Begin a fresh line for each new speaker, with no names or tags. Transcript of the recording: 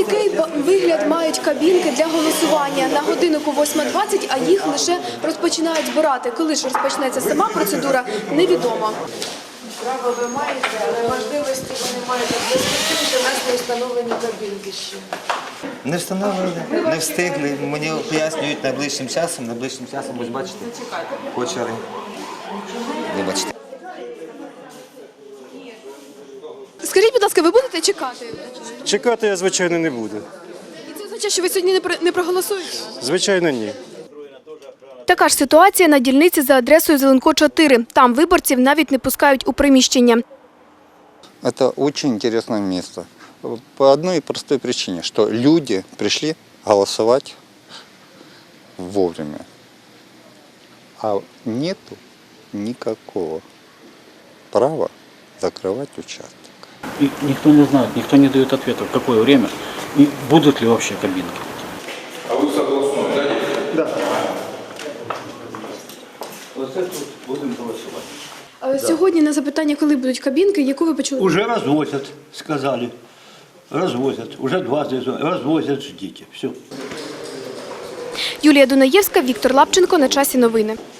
Який вигляд мають кабінки для голосування? На годиннику 8:20, а їх лише розпочинають збирати. Коли ж розпочнеться сама процедура, невідомо.
Право ви маєте, але можливості ви не маєте. У нас не встановлені кабінки ще.
Не встановили, не встигли. Мені пояснюють найближчим часом, ось бачите, почали. Вибачте.
Скажіть, будь ласка, ви будете чекати?
Чекати я, звичайно, не буду.
І це означає, що ви сьогодні не проголосуєте?
Звичайно, ні.
Така ж ситуація на дільниці за адресою Зеленко 4. Там виборців навіть не пускають у приміщення.
Это очень интересное место. По одной простой причине, что люди пришли голосовать вовремя. А нету никакого права закрывать участок.
И никто не знает, никто не дает ответа, в какое время и будут ли вообще кабинки.
А вы согласны, да?
Да. Вот это вот будем голосовать.
Сьогодні на запитання, коли будуть кабінки, яку ви почули?
Уже развозят, сказали. Развозят. Уже 20 развозят, ждите. Все.
Юлія Дунаєвська, Віктор Лапченко. На часі новини.